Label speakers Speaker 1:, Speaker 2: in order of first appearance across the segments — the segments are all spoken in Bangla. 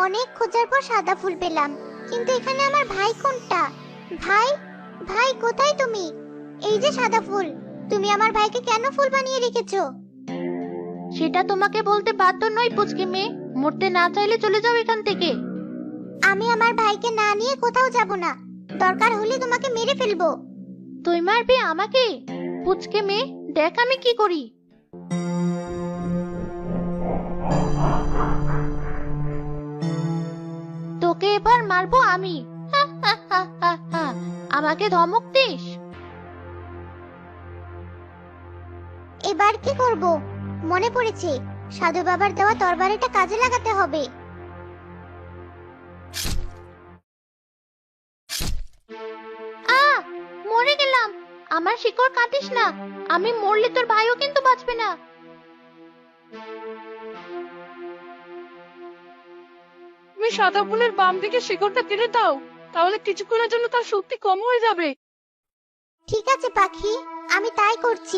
Speaker 1: অনেক খোঁজার পর সাদা ফুল পেলাম, কিন্তু এখানে আমার ভাই কোনটা? ভাই, ভাই কোথায় তুমি? এই যে সাদা ফুল, তুমি আমার ভাইকে কেন ফুল বানিয়ে রেখেছো?
Speaker 2: সেটা তোমাকে বলতে বাধ্য নই পুচকে মেয়ে। মরতে না চাইলে চলে যাও এখান থেকে।
Speaker 1: আমি আমার ভাইকে না নিয়ে কোথাও যাব না, দরকার হলে তোমাকে মেরে ফেলবো।
Speaker 2: তুই মারবি আমাকে? পুচকে মেয়ে, দেখ আমি কি করি। তোকে এবার মারবো আমি। হা, হা, হা, হা, হা। আমাকে ধমক দিস?
Speaker 1: এবার কি করব? মনে পড়েছে, সাধু বাবার দেওয়া তরবারিটা কাজে লাগাতে হবে।
Speaker 2: মরে গেলাম। আমার শিকড় কাটিস না, আমি মরলে তোর ভাইও কিন্তু বাঁচবে না।
Speaker 3: তুমি সাদা ফুলের বাম দিকে শিকড়টা কেটে দাও, তাহলে কিছুক্ষণের জন্য তার শক্তি কম হয়ে যাবে।
Speaker 1: ঠিক আছে পাখি, আমি তাই করছি।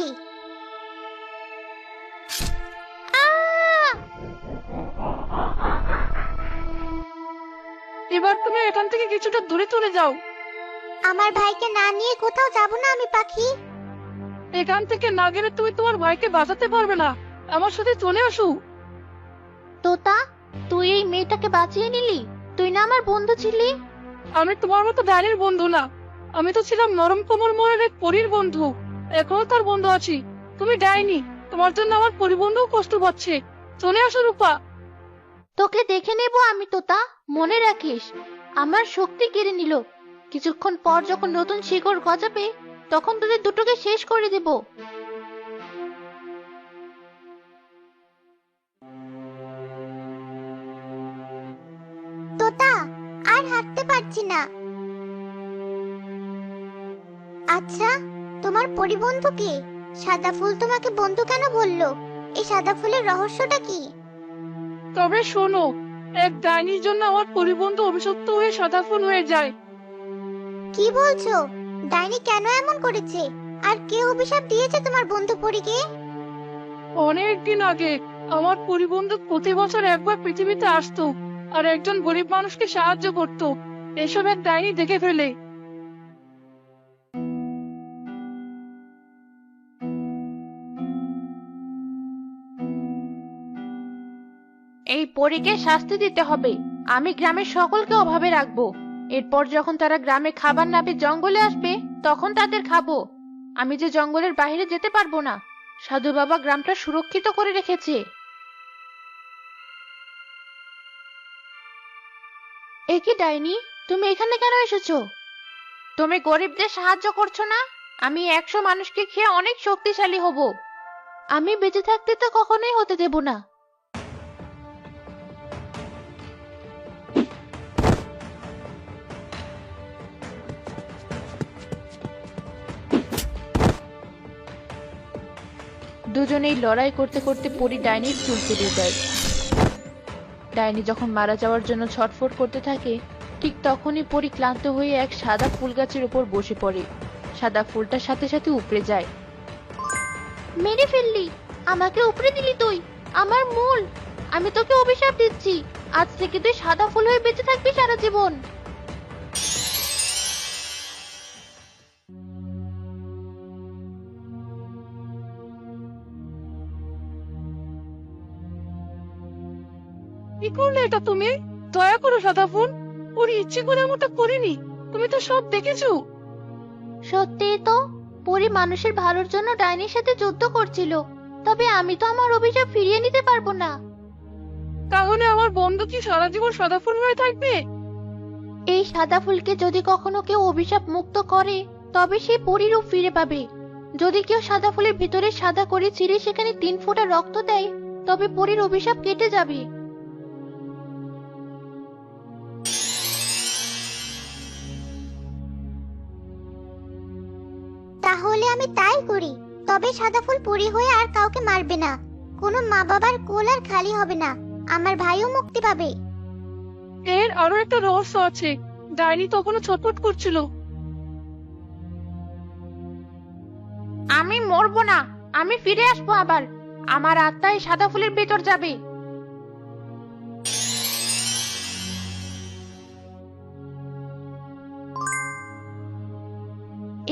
Speaker 3: এবার তুমি এখান থেকে কিছুটা দূরে চলে যাও।
Speaker 1: আমার ভাইকে না নিয়ে কোথাও যাব না আমি পাখি।
Speaker 3: এখান থেকে না গেলে তুমি তোমার ভাইকে বাঁচাতে পারবে না। আমার সাথে চলে আসো।
Speaker 2: তোতা, তুই এই মেয়েটাকে বাঁচিয়ে নিলি? তুই না আমার বন্ধু ছিলি?
Speaker 3: আমি তোমার মতো ডাইনির বন্ধু না, আমি তো ছিলাম নরম কোমল মনের এক পরীর বন্ধু। এখনো তার বন্ধু আছি। তুমি ডাইনি, তোমার জন্য আমার পরিবন্ধুও কষ্ট পাচ্ছে। চলে আসো রূপা।
Speaker 2: তোকে দেখে নেব আমি তোতা, মনে রাখিস। আমার শক্তি কেড়ে নিল, কিছুক্ষণ পর যখন নতুন শিকড় গজাবে তখন তোদের দুটোকে শেষ করে দেব।
Speaker 1: তোতা, আর হাঁটতে পারছি না। আচ্ছা, তোমার পরিবন্ধু কে? সাদা ফুল তোমাকে বন্ধু কেন বললো? এই সাদা ফুলের রহস্যটা কি?
Speaker 3: তবে শোনো, এক ডাইনির জন্য আমার পরিবন্ধু অভিশপ্ত হয়ে সাদা ফুল হয়ে যায়।
Speaker 1: কি বলছো? ডাইনি কেন এমন করেছে? আর কে অভিশাপ দিয়েছে তোমার বন্ধু পরীকে?
Speaker 3: অনেকদিন আগে আমার পরিবন্ধু প্রতি বছর একবার পৃথিবীতে আসতো আর একজন গরিব মানুষকে সাহায্য করত। এসব এক ডাইনি দেখে ফেলে।
Speaker 2: এই পরীকে শাস্তি দিতে হবে। আমি গ্রামের সকলকে অভাবে রাখবো। এরপর যখন তারা গ্রামে খাবার না পেয়ে জঙ্গলে আসবে তখন তাদের খাবো। আমি যে জঙ্গলের বাইরে যেতে পারবো না। সাধু বাবা গ্রামটা সুরক্ষিত করে রেখেছে। এ কি ডাইনি, তুমি এখানে কেন এসেছো? তুমি গরিবদের সাহায্য করছো না? আমি 100 মানুষকে খেয়ে অনেক শক্তিশালী হব। আমি বেঁচে থাকতে তো কখনোই হতে দেব না। দুজনেই লড়াই করতে করতে পরী ডাইনির চুল কেটে দেয়। ডাইনি যখন মারা যাওয়ার জন্য ছটফট করতে থাকে ঠিক তখনই পরী ক্লান্ত হয়ে এক সাদা ফুল গাছের উপর বসে পড়ে। সাদা ফুলটার সাথে সাথে উপড়ে যায়। মেরে ফেললি, আমাকে উপড়ে দিলি তুই, আমার মূল। আমি তোকে অভিশাপ দিচ্ছি, আজ থেকে তুই সাদা ফুল হয়ে বেঁচে থাকবি সারা জীবন।
Speaker 3: কি করলে এটা তুমি? দয়া করো সাদা ফুল, ওর ইচ্ছে করে এমনটা করিনি। তুমি তো সব দেখেছো।
Speaker 2: সত্যিই তো, পরী মানুষের ভালোর জন্য ডাইনির সাথে যুদ্ধ করছিল। তবে আমি তো আমার অভিশাপ ফিরিয়ে নিতে পারবো না।
Speaker 3: তাহলে আমার বন্ধু কি সারা জীবন সাদা ফুল হয়ে থাকবে?
Speaker 2: এই সাদা ফুলকে যদি কখনো কেউ অভিশাপ মুক্ত করে তবে সে পরী রূপ ফিরে পাবে। যদি কেউ সাদা ফুলের ভিতরে সাদা করে ছিঁড়ে সেখানে 3 ফোঁটা রক্ত দেয় তবে পরীর অভিশাপ কেটে যাবে।
Speaker 1: তাহলে আমি তাই করি। তবে সাদা ফুল পরী হয়ে আর কাউকে মারবে না। কোনো মা বাবার কোল আর খালি হবে না। আমার ভাইও মুক্তি পাবে।
Speaker 3: এর আরো একটা রহস্য আছে। ডাইনি তখনও ছটফট করছিল।
Speaker 2: আমি মরবো না, আমি ফিরে আসবো আবার। আমার আত্মা এই সাদা ফুলের ভেতর যাবে।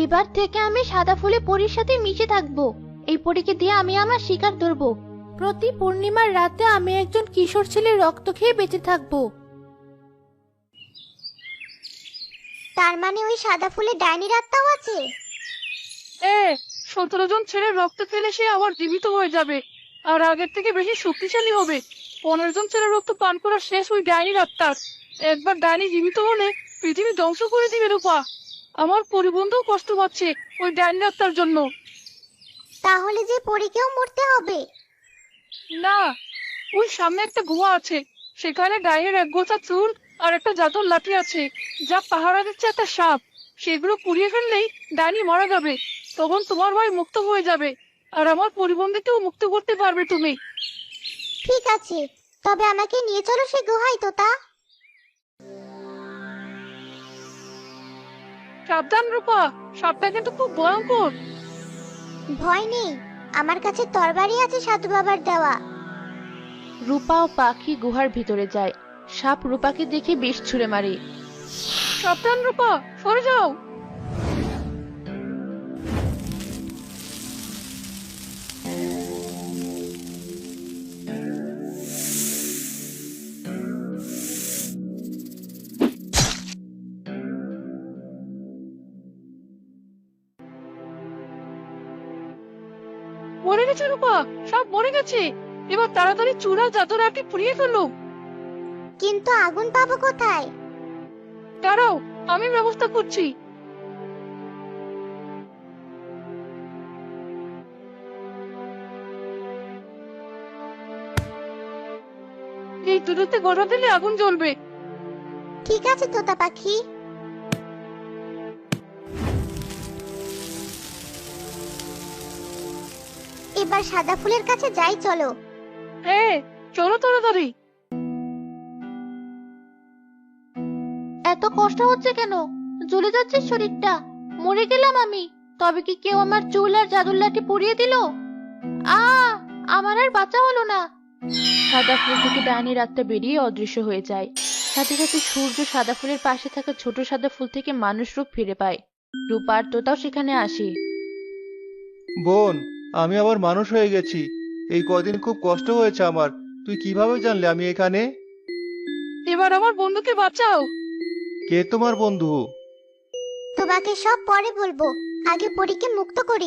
Speaker 2: এবার থেকে আমি সাদা ফুলে পরীর সাথে মিশে থাকবো। এই পরীকে দিয়ে আমি আমার শিকার ধরবো। প্রতি পূর্ণিমার রাতে আমি একজন কিশোর ছেলের রক্ত খেয়ে বেঁচে থাকবো।
Speaker 1: তার মানে ওই সাদা ফুলে ডাইনির আত্মাও আছে?
Speaker 3: 17 জন ছেলের রক্ত খেলে সে আবার জীবিত হয়ে যাবে, আর আগের থেকে বেশি শক্তিশালী হবে। 15 জন ছেলের রক্ত পান করা শেষ ওই ডাইনির আত্মার। একবার ডাইনি জীবিত হলে পৃথিবী ধ্বংস করে দিবে রূপা। আমার পরিবন্ধও কষ্ট পাচ্ছে ওই ডাইনির আত্মার জন্য।
Speaker 1: তাহলে যে পরীকেও মরতে হবে?
Speaker 3: না, ওই সামনে একটা গুহা আছে, সেখানে ডাইনির এক গোছা চুল আর একটা জাদুর লাঠি আছে, যা পাহারা দিচ্ছে একটা সাপ। সেগুলো পুড়িয়ে ফেললেই ডাইনি মারা যাবে। তখন তোমার ভাই মুক্ত হয়ে যাবে, আর আমার পরিবন্ধীকেও মুক্ত করতে পারবে তুমি।
Speaker 1: ঠিক আছে, তবে আমাকে নিয়ে চলো সে গুহায় তোতা।
Speaker 3: সাবধান রূপা, সাপটা কিন্তু খুব ভয়ঙ্কর।
Speaker 1: ভয় নেই, আমার কাছে তরবারি আছে সাধু বাবার দেওয়া।
Speaker 2: রূপা ও পাখি গুহার ভিতরে যায়। সাপ রূপাকে দেখে বিষ ছুঁড়ে মারে।
Speaker 3: সাবধান রূপা, সরে যাও। মরে গেছে রূপা, সব মরে গেছে। এবার তাড়াতাড়ি চূড়া জাদুর আটি পুড়িয়ে ফেলো।
Speaker 1: কিন্তু আগুন পাবো কোথায়?
Speaker 3: দাঁড়াও, আমি ব্যবস্থা করছি। এই দুধুতে গড়া দিলে আগুন জ্বলবে।
Speaker 1: ঠিক আছে তোতা পাখি। এবার সাদা ফুলের কাছে যাই চলো।
Speaker 3: চলো তাড়াতাড়ি।
Speaker 2: এত কষ্ট হচ্ছে কেন? জ্বলে যাচ্ছে শরীরটা, মরে গেলাম আমি। তবে কি কেউ আমার চুল আর জাদুর লাঠি পুড়িয়ে দিল? আমার আর বাঁচা হলো না। সাদা ফুল থেকে ডাইনির আত্মা বেরিয়ে অদৃশ্য হয়ে যায়। সাথে সাথে সূর্য সাদা ফুলের পাশে থাকা ছোট সাদা ফুল থেকে মানুষ রূপ ফিরে পায়। রূপা আর তোতাও সেখানে আসে।
Speaker 4: বোন, আমি আবার মানুষ হয়ে গেছি। এই কদিন খুব কষ্ট হয়েছে আমার। তুই কিভাবে জানলে আমি এখানে?
Speaker 3: এবার আমার বন্ধুকে বাঁচাও।
Speaker 4: কে তোমার বন্ধু?
Speaker 1: তোমাকে সব পরে বলবো, আগে পরীকে মুক্ত করি।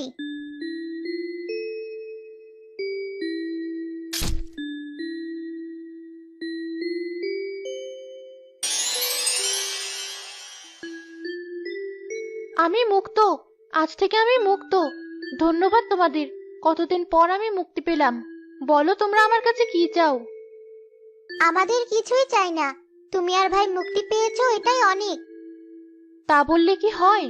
Speaker 2: আমি মুক্ত, আজ থেকে আমি মুক্ত। ধন্যবাদ তোমাদের। কতদিন পর আমি মুক্তি পেলাম। বলো তোমরা আমার কাছে কি চাও?
Speaker 1: আমাদের কিছুই চাই না, তুমি আর ভাই মুক্তি পেয়েছো, এটাই অনেক।
Speaker 2: তা বললে কি হয়?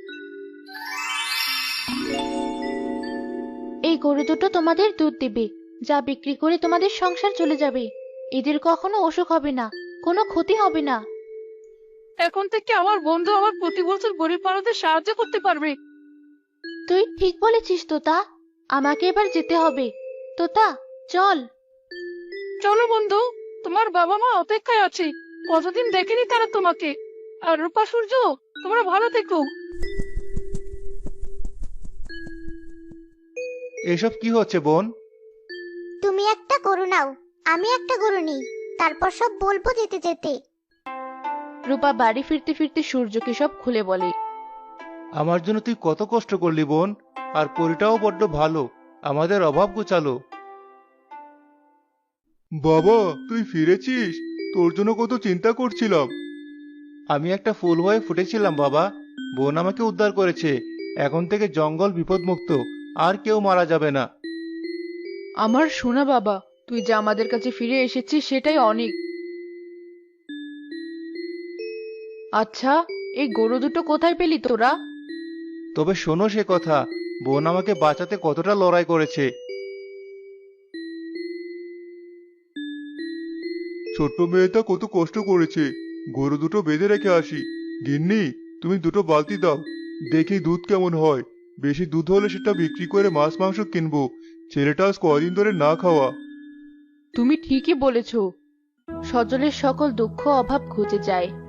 Speaker 2: এই গরু দুটো তোমাদের দুধ দেবে, যা বিক্রি করে তোমাদের সংসার চলে যাবে। এদের কখনো অসুখ হবে না, কোনো ক্ষতি হবে না।
Speaker 3: এখন থেকে আমার বন্ধু আমার প্রতি বছর গরিব মানুষদের সাহায্য করতে পারবে।
Speaker 2: তুই ঠিক বলেছিস তোতা। আমাকে এবার যেতে হবে। তোতা, চল।
Speaker 3: চলো বন্ধু, তোমার বাবা মা অপেক্ষায় আছে। কতদিন দেখেনি তারা তোমাকে। আর রূপা, সূর্য, তোমরা ভালো থেকো।
Speaker 4: এসব কি হচ্ছে বোন?
Speaker 1: তুমি একটা গরু নাও, আমি একটা গরু নিই, তারপর সব বলবো যেতে যেতে।
Speaker 2: রূপা বাড়ি ফিরতে ফিরতে সূর্যকে সব খুলে বলে।
Speaker 4: আমার জন্য তুই কত কষ্ট করলি বোন। আর পরিটাও বড্ড ভালো, আমাদের অভাব ঘুচালো। বাবা, তুই ফিরেছিস? তোর জন্য কত চিন্তা করছিলাম। আমি একটা ফুল হয়ে ফুটেছিলাম বাবা। বোন আমাকে উদ্ধার করেছে। এখন থেকে জঙ্গল বিপদমুক্ত, আর কেউ মারা যাবে না।
Speaker 2: আমার সোনা বাবা, তুই যে আমাদের কাছে ফিরে এসেছিস সেটাই অনেক। আচ্ছা, এই গরু দুটো কোথায় পেলি তোরা?
Speaker 4: তবে শোনো সে কথা, বোন আমাকে বাঁচাতে কতটা লড়াই করেছে। ছোট্ট মেয়েটা কত কষ্ট করেছে। গরু দুটো বেঁধে রেখে আসি। গিন্নি, তুমি দুটো বালতি দাও, দেখি দুধ কেমন হয়। বেশি দুধ হলে সেটা বিক্রি করে মাছ মাংস কিনবো। ছেলেটা আজ কয়দিন ধরে না খাওয়া।
Speaker 2: তুমি ঠিকই বলেছ। সজলের সকল দুঃখ অভাব ঘুচে যায়।